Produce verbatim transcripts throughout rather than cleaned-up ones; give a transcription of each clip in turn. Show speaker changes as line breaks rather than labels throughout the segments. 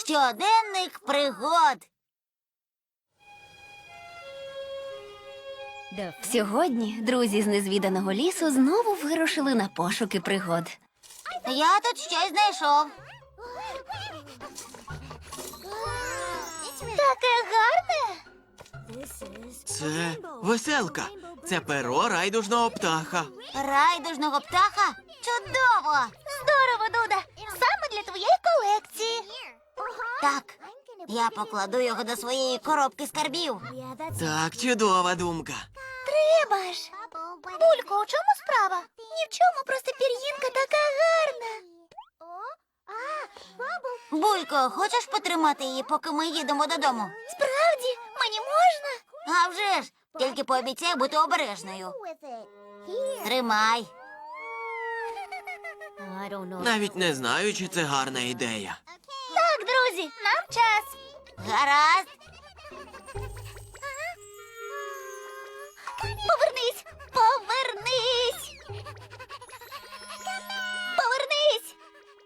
Щоденник пригод.
Сьогодні друзі з незвіданого лісу знову вирушили на пошуки пригод.
Я тут щось знайшов. Таке гарне.
Це веселка. Це перо райдужного птаха.
Райдужного птаха? Чудово! Здорово, Дуда! Саме для твоєї колекції. Так, я покладу його до своєї коробки скарбів.
Так, чудова думка.
Треба ж. Булько, у чому справа? Ні в чому, просто пір'їнка така гарна. Булько, хочеш потримати її, поки ми їдемо додому? Справді? Мені можна? А вже ж, тільки пообіцяй бути обережною. Тримай.
Навіть не знаю, чи це гарна ідея.
Так, друзі, нам час. Гаразд. Повернись! Повернись! Повернись!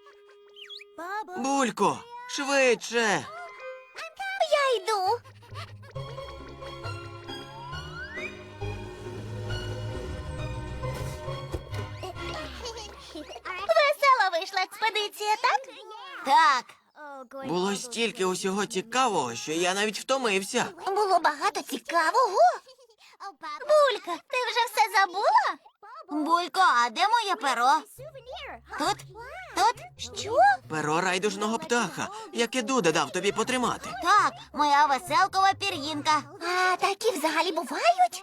Булько, швидше.
Я йду. Весела вийшла експедиція, так? Так.
Було стільки усього цікавого, що я навіть втомився.
Було багато цікавого. Булька, ти вже все забула? Булько, а де моє перо? Тут? Тут? Що?
Перо райдужного птаха, яке Дуда дав тобі потримати.
Так, моя веселкова пір'їнка. А такі взагалі бувають?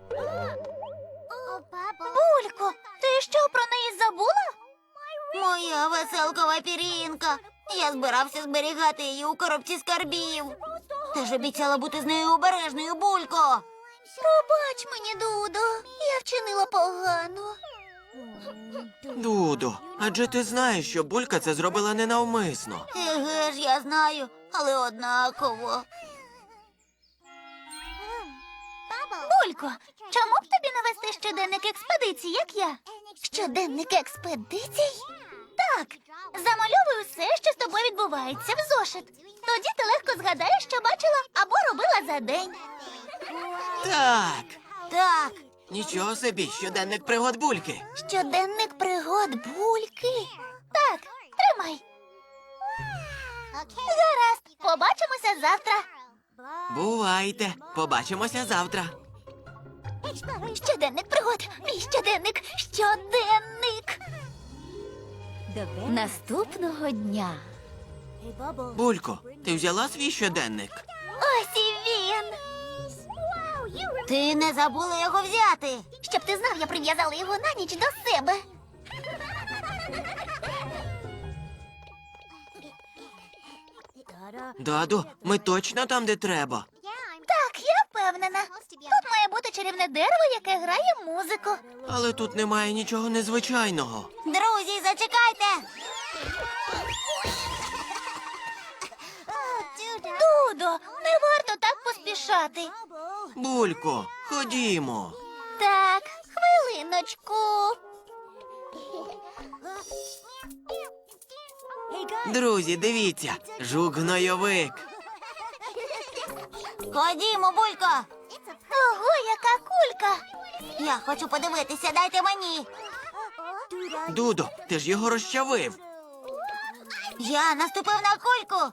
Булько, ти що, про неї забула? Моя веселкова пір'їнка. Я збирався зберігати її у коробці скарбів. Ти ж обіцяла бути з нею обережною, Булько. Пробач мені, Дудо, я вчинила погано.
Дудо, адже ти знаєш, що Булька це зробила ненавмисно.
Еге ж, я знаю, але однаково. Булько, чому б тобі не вести щоденник експедицій, як я? Щоденник експедицій? Так, замальовуй усе, що з тобою відбувається в зошит. Тоді ти легко згадаєш, що бачила або робила за день.
Так,
Так,
нічого собі, щоденник пригод Бульки.
щоденник пригод Бульки. Так, тримай. Гаразд, побачимося завтра.
Бувайте, побачимося завтра.
Щоденник пригод, мій щоденник, щоденник.
Наступного дня.
Булько, ти взяла свій щоденник?
Ось і він. Ти не забула його взяти. Щоб ти знав, я прив'язала його на ніч до себе.
Даду, ми точно там, де треба.
Так, я впевнена. Тут має бути чарівне дерево, яке грає музику.
Але тут немає нічого незвичайного.
Друзі, зачекайте. Дудо, не варто так поспішати.
Булько, ходімо.
Так, хвилиночку.
Друзі, дивіться, жук-гнойовик.
Ходімо, Булько. Ого, яка кулька. Я хочу подивитися, дайте мені.
Дудо, ти ж його розчавив.
Я наступив на кульку.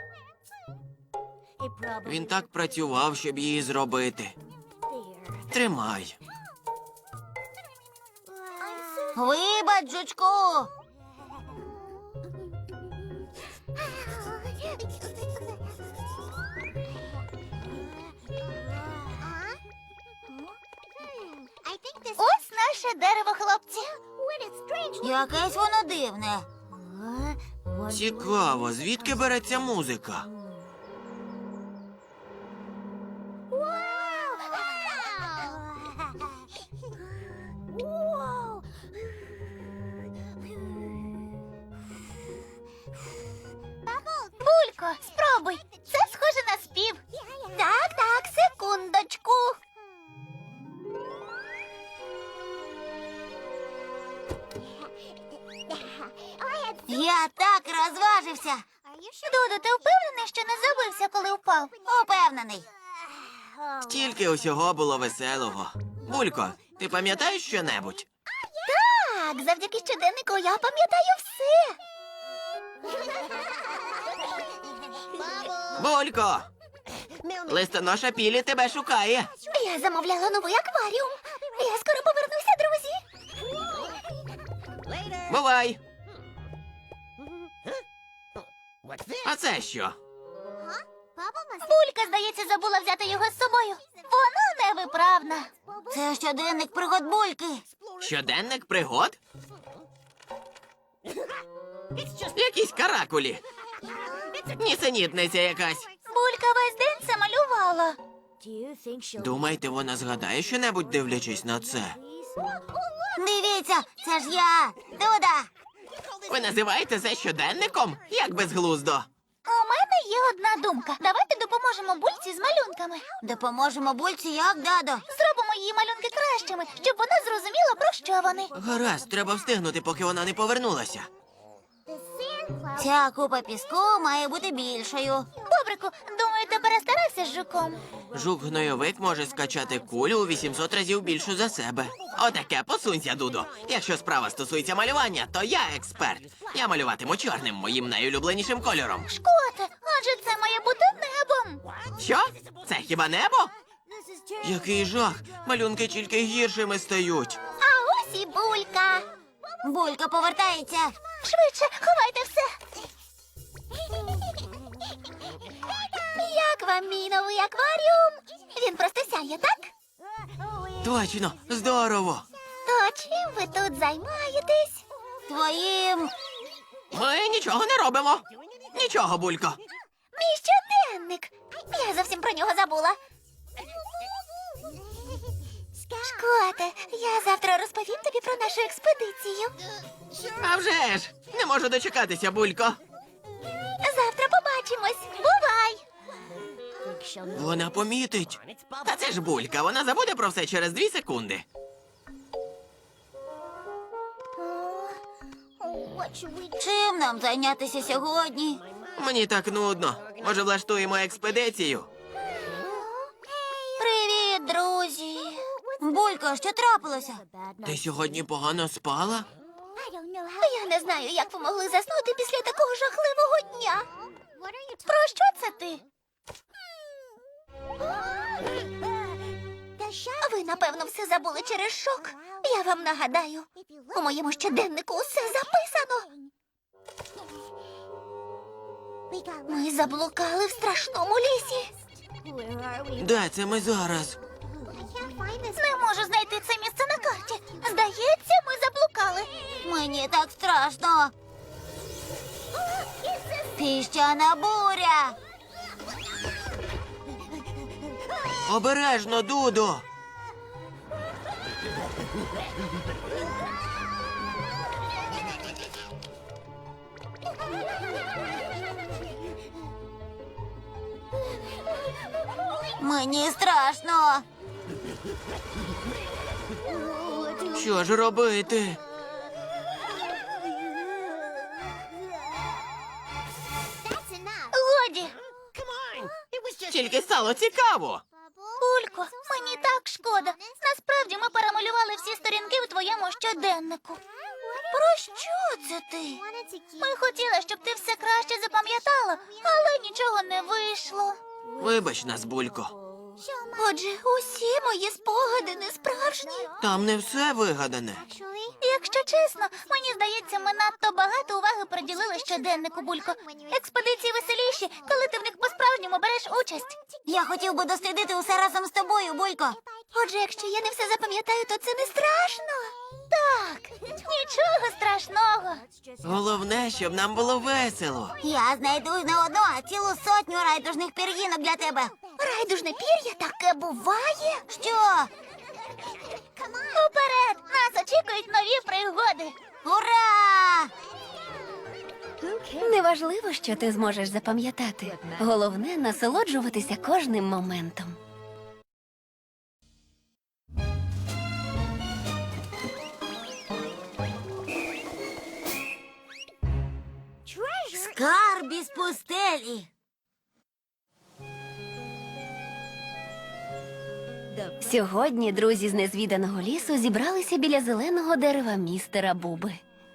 Він так працював, щоб її зробити. Тримай.
Вибач, жучку. Ось наше дерево, хлопці. Якесь воно дивне.
Цікаво, звідки береться музика?
Булько, спробуй. Це схоже на спів. Так, так, секундочку. Я так розважився. Додо, ти впевнений, що не забився, коли впав? Упевнений.
Стільки усього було веселого. Булько, ти пам'ятаєш щонебудь?
Так, завдяки щоденнику я пам'ятаю все.
Булько! Листоноша Пілі тебе шукає.
Я замовляла новий акваріум. Я скоро повернуся, друзі.
Бувай! А це що?
Булька, здається, забула взяти його з собою. Вона невиправна. Це щоденник пригод Бульки.
Щоденник пригод? Якісь каракулі. Нісенітниця якась.
Булька весь день це малювала.
Думаєте, вона згадає щонебудь, дивлячись на це?
Дивіться, це ж я, Дуда.
Ви називаєте це щоденником? Як безглуздо.
У мене є одна думка. Давайте допоможемо Бульці з малюнками. Допоможемо Бульці як, Дадо? Зробимо її малюнки кращими, щоб вона зрозуміла, про що вони.
Гаразд, треба встигнути, поки вона не повернулася.
Ця купа піску має бути більшою. Бобрику, думаю, ти перестарався з жуком.
Жук-гнойовик може скачати кулю у вісімсот разів більшу за себе. Отаке, посунься, Дудо. Якщо справа стосується малювання, то я експерт. Я малюватиму чорним, моїм найулюбленішим кольором.
Шкоте, адже це має бути небом.
Що? Це хіба небо? Який жах! Малюнки тільки гіршими стають.
А ось і Булька. Булька повертається. Швидше, ховайте все. Як вам мій новий акваріум? Він просто сяє, так?
Точно, здорово.
То чим ви тут займаєтесь? Твоїм...
Ми нічого не робимо. Нічого, Булько.
Мій щоденник. Я зовсім про нього забула. Шкоте, я завтра розповім тобі про нашу експедицію.
А вже ж! Не можу дочекатися, Булько.
Завтра побачимось. Бувай!
Вона помітить. Та це ж Булька, вона забуде про все через дві секунди.
Чим нам зайнятися сьогодні?
Мені так нудно. Може, влаштуємо експедицію?
Привіт, друзі. Булько, що трапилося?
Ти сьогодні погано спала?
Я не знаю, як ви могли заснути після такого жахливого дня. Про що це ти? Ви, напевно, все забули через шок. Я вам нагадаю, у моєму щоденнику усе записано. Ми заблукали в страшному лісі.
Де це ми зараз?
Не можу знайти це місце на карті. Здається, ми заблукали. Мені так страшно. Піщана буря.
Обережно, Дудо!
Мені страшно.
Що ж робити?
Годі.
Тільки стало цікаво.
Улько, мені так шкода. Насправді ми перемалювали всі сторінки у твоєму щоденнику. Про що це ти? Ми хотіли, щоб ти все краще запам'ятала, але нічого не вийшло.
Вибач нас, Булько.
Отже, усі мої спогади не справжні.
Там не все вигадане.
Якщо чесно, мені здається, ми надто багато уваги приділили щоденнику, Булько. Експедиції веселіші, коли ти в них по-справжньому береш участь. Я хотів би дослідити усе разом з тобою, Булько. Отже, якщо я не все запам'ятаю, то це не страшно. Так, нічого страшного.
Головне, щоб нам було весело.
Я знайду не одну, а цілу сотню райдужних пір'їнок для тебе. Райдужне пір'я таке буває? Що? Уперед! Нас очікують нові пригоди. Ура!
Неважливо, що ти зможеш запам'ятати. Головне насолоджуватися кожним моментом.
Скарб із пустелі.
Сьогодні друзі з незвіданого лісу зібралися біля зеленого дерева містера Буби.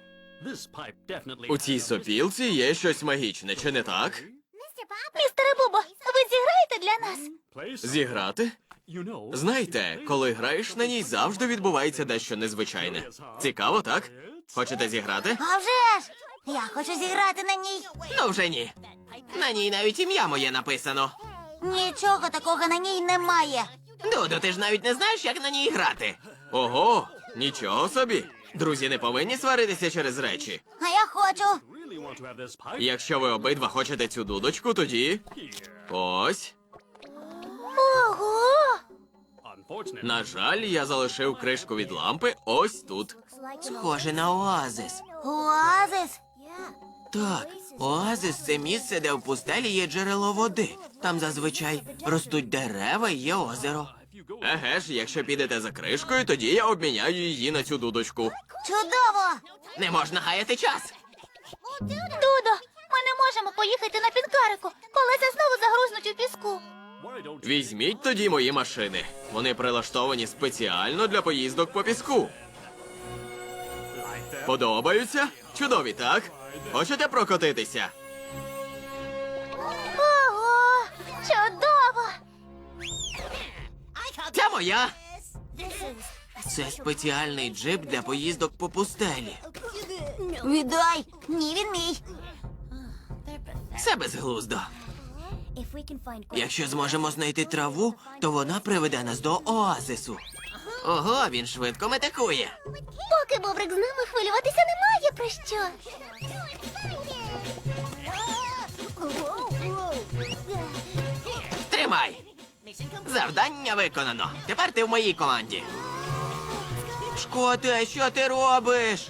У цій сопілці є щось магічне, чи не так?
Містере Бубо, ви зіграєте для нас?
Зіграти? Знаєте, коли граєш на ній, завжди відбувається дещо незвичайне. Цікаво, так? Хочете зіграти?
А вже ж! Я хочу зіграти на ній.
Ну вже ні. На ній навіть ім'я моє написано.
Нічого такого на ній немає.
Дудо, ти ж навіть не знаєш, як на ній грати. Ого, нічого собі. Друзі не повинні сваритися через речі.
А я хочу.
Якщо ви обидва хочете цю дудочку, тоді ось.
Ого!
На жаль, я залишив кришку від лампи ось тут. Схоже на оазис.
Оазис.
Так, оазис це місце, де в пустелі є джерело води. Там зазвичай ростуть дерева і є озеро. Еге ж, якщо підете за кришкою, тоді я обміняю її на цю дудочку.
Чудово!
Не можна гаяти час.
Дудо, ми не можемо поїхати на пінкарику. Колеса знову загрузнуть у піску.
Візьміть тоді мої машини. Вони прилаштовані спеціально для поїздок по піску. Подобаються? Чудові, так? Хочете прокотитися?
Ого! Чудово!
Це моя. Це спеціальний джип для поїздок по пустелі.
Віддай! Ні, він мій.
Це безглуздо. Якщо зможемо знайти траву, то вона приведе нас до оазису. Ого, він швидко метикує.
Поки Бобрик з нами, хвилюватися немає про що.
Тримай! Завдання виконано. Тепер ти в моїй команді. Шкоте, що ти робиш?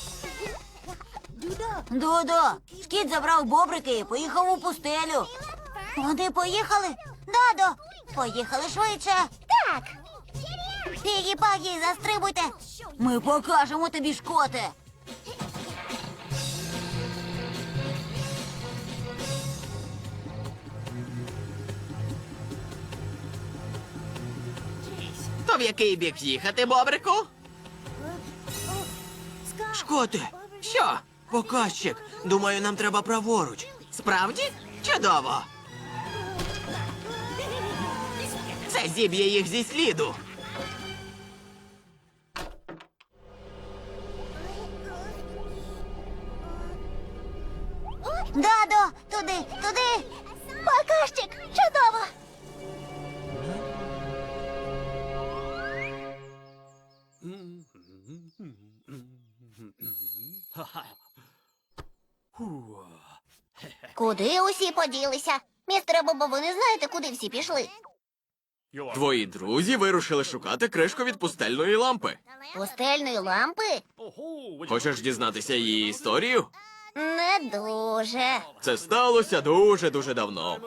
Дудо, шкіт забрав бобрики і поїхав у пустелю. Вони поїхали? Дадо, поїхали швидше. Так. Пігі-пагі, застрибуйте. Ми покажемо тобі, Шкоте.
То в який бік їхати, бобрику? Шкоте, що? Показчик. Думаю, нам треба праворуч. Справді? Чудово. Це зіб'є їх зі сліду.
Дадо, туди, туди. Покажчик, чудово. Куди усі поділися? Містере Бобо, ви не знаєте, куди всі пішли?
Твої друзі вирушили шукати кришку від пустельної лампи.
Пустельної лампи?
Хочеш дізнатися її історію?
Не дуже.
Це сталося дуже-дуже давно.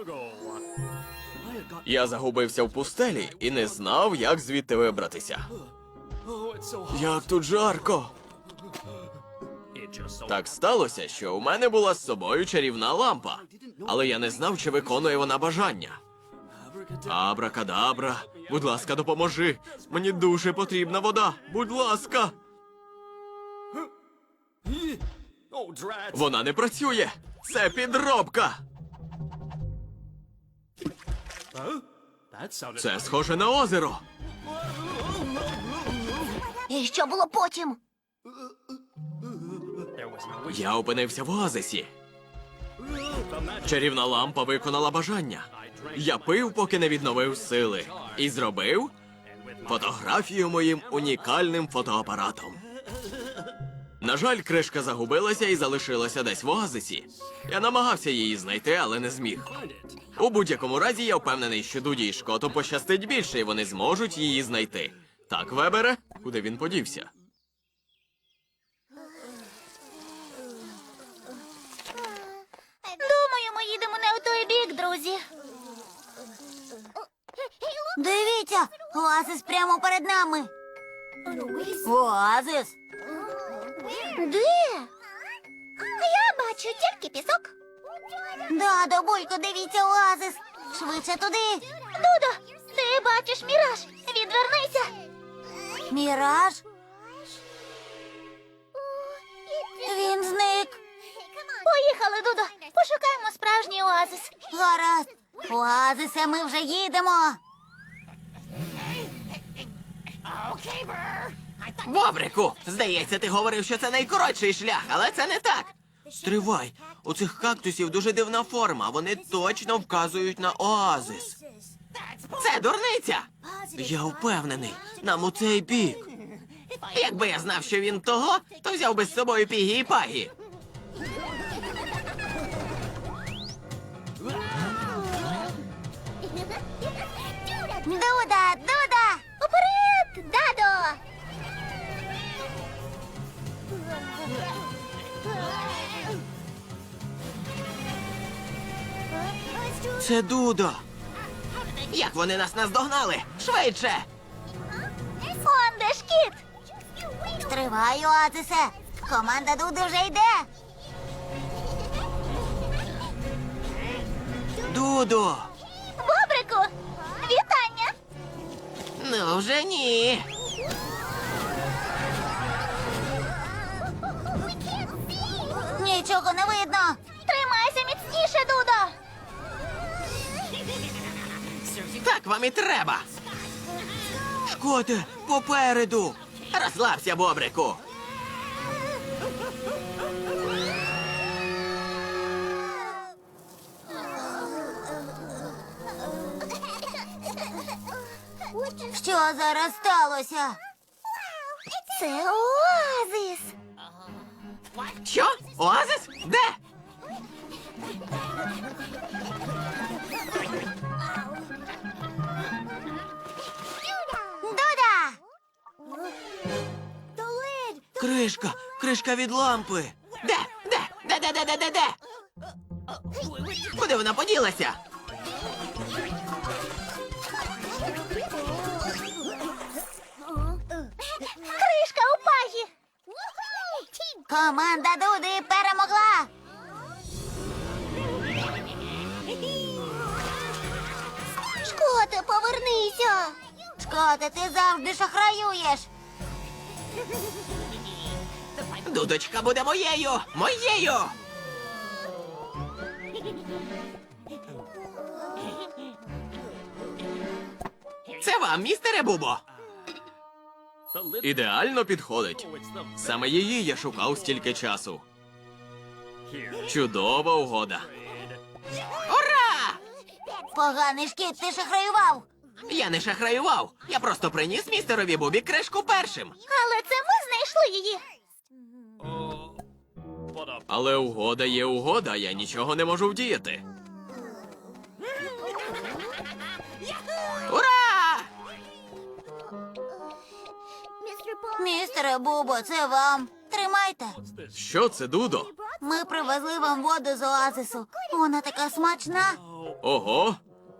Я загубився в пустелі і не знав, як звідти вибратися. Як тут жарко. Так сталося, що у мене була з собою чарівна лампа, але я не знав, чи виконує вона бажання. Абракадабра, будь ласка, допоможи. Мені дуже потрібна вода. Будь ласка. Вона не працює. Це підробка. Це схоже на озеро.
І що було потім?
Я опинився в оазисі. Чарівна лампа виконала бажання. Я пив, поки не відновив сили. І зробив фотографію моїм унікальним фотоапаратом. На жаль, кришка загубилася і залишилася десь в оазисі. Я намагався її знайти, але не зміг. У будь-якому разі, я впевнений, що Дуді і Шкоту пощастить більше, і вони зможуть її знайти. Так, Вебере? Куди він подівся?
Думаю, ми їдемо не у той бік, друзі. Дивіться, оазис прямо перед нами. Оазис? Де? Я бачу тільки пісок. Дадо, Булько, дивіться оазис. Швидше туди. Дудо, ти бачиш міраж. Відвернися. Міраж? Він зник. Поїхали, Дудо. Пошукаємо справжній оазис. Гаразд. Оазисе, ми вже їдемо.
Бобрику, здається, ти говорив, що це найкоротший шлях, але це не так. Стривай, у цих кактусів дуже дивна форма, вони точно вказують на оазис. Це дурниця! Я впевнений, нам у цей бік. Якби я знав, що він того, то взяв би з собою Пігі і Пагі.
Дуда, Дуда! Уперед, Дадо!
Це Дудо. Як вони нас наздогнали? Швидше!
Он де ж кіт? Стривай, оазисе! Команда Дуди вже йде!
Дудо!
Бобрику, вітання!
Ну вже ні.
Нічого не видно! Тримайся міцніше, Дудо!
Так вам і треба. Шкоте, попереду. Розслабся, Бобрику.
Що зараз сталося? Це оазис!
Що? Оазис? Де?
Дуда!
Кришка, кришка від лампи. Де? Де? Де, де, де, де, де, де? Куди вона поділася?
Кришка у Пагі! Команда Дуди перемогла! Шкоте, повернися! Шкоте, ти завжди шахраюєш!
Дудочка буде моєю! Моєю! Це вам, містере Бубо. Ідеально підходить. Саме її я шукав стільки часу. Чудова угода. Ура!
Поганий шкіт, ти шахраював!
Я не шахраював. Я просто приніс містерові Бубі кришку першим.
Але це ми знайшли її!
Але угода є угода, я нічого не можу вдіяти. Ура!
Містере Бубо, це вам. Тримайте.
Що це, Дудо?
Ми привезли вам воду з оазису. Вона така смачна.
Ого.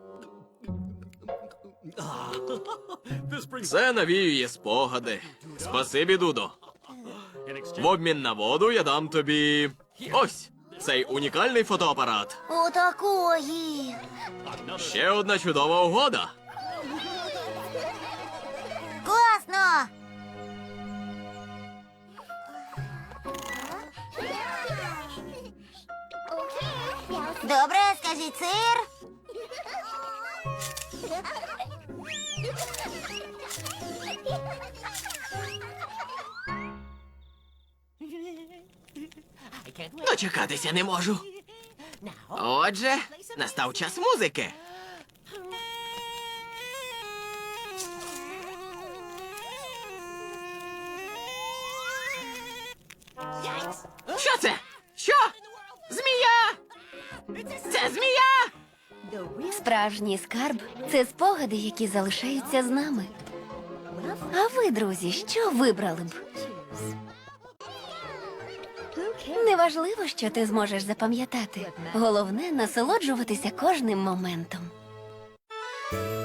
Це навіює спогади. Спасибі, Дудо. В обмін на воду я дам тобі ось цей унікальний фотоапарат.
Отакої.
Ще одна чудова угода.
Класно. Добре, скажіть сир.
Дочекатися не можу. Отже, настав час музики. Що це? Що? Змія! Це змія!
Справжній скарб це спогади, які залишаються з нами. А ви, друзі, що вибрали б? Неважливо, що ти зможеш запам'ятати. Головне насолоджуватися кожним моментом.